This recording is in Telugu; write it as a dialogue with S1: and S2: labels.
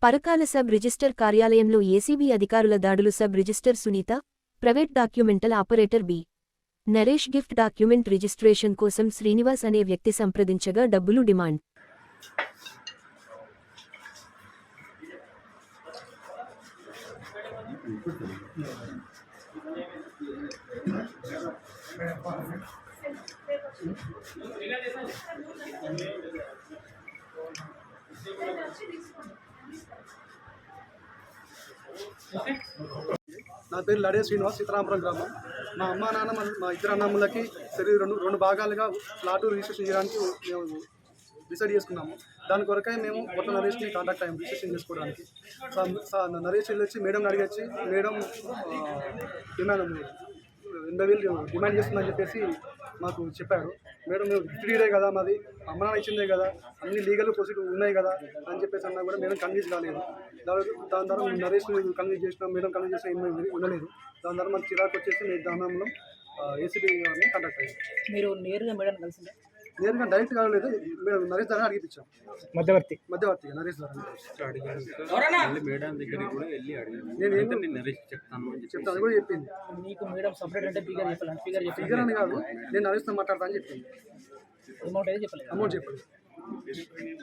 S1: పరకాల సబ్ రిజిస్టర్ కార్యాలయంలో ఏసీబీ అధికారుల దాడులు. Sub register Sunitha, private documental operator B. Naresh gift document registration కోసం శ్రీనివాస్ అనే వ్యక్తి సంప్రదించగా డబ్బులు డిమాండ్.
S2: నా పేరు లడే శ్రీనివాస్, సీతారామపురం గ్రామం. మా అమ్మ నాన్న మా ఇద్దరు అన్నమ్ములకి రెండు భాగాలుగా ఫ్లాట్ రిజిస్ట్రేషన్ చేయడానికి మేము డిసైడ్ చేసుకున్నాము. దాని కొరకై మేము కొత్త నరేష్ని కాంటాక్ట్ అయ్యాము రిజిస్ట్రేషన్ చేసుకోవడానికి. నరేష్ వచ్చి మేడం అడిగొచ్చి, మేడం డిమాండ్ 80,000 డిమాండ్ చేస్తుందని చెప్పేసి మాకు చెప్పారు. మేడం మేము గిఫ్ట్ కదా, మాది అమ్మ నాన్న ఇచ్చిందే కదా, అన్ని లీగల్ ప్రొసీజర్ ఉన్నాయి కదా అని చెప్పేసి అన్నా కూడా మేడం కన్విన్స్ కాలేదు. దాని ద్వారా నరేష్ కన్విన్స్ చేసినాం, మేడం కన్విన్స్ చేసిన ఏమీ ఉండలేదు. దాని ద్వారా మాకు చిరాకు వచ్చేసి మేము దానంలో ఏసీబీ గారిని కాంటాక్ట్ అయ్యాము.
S3: మీరు నేరుగా మేడం కలిసిందా?
S2: నేరుగా డైరెక్ట్ కాలేదు, మేము నరేష్ ద్వారా అడిగిపించాం. మధ్యవర్తి నరేష్ ద్వారా చెప్తాను అది కూడా చెప్పింది.
S3: మీకు మేడం సపరేట్ అంటే
S2: ఫిగర్ అని కాదు, నేను నరేష్తో మాట్లాడతా అని చెప్పింది.
S3: అమౌంట్ అయితే చెప్పలేదు.
S2: అమౌంట్ చెప్పలేదు.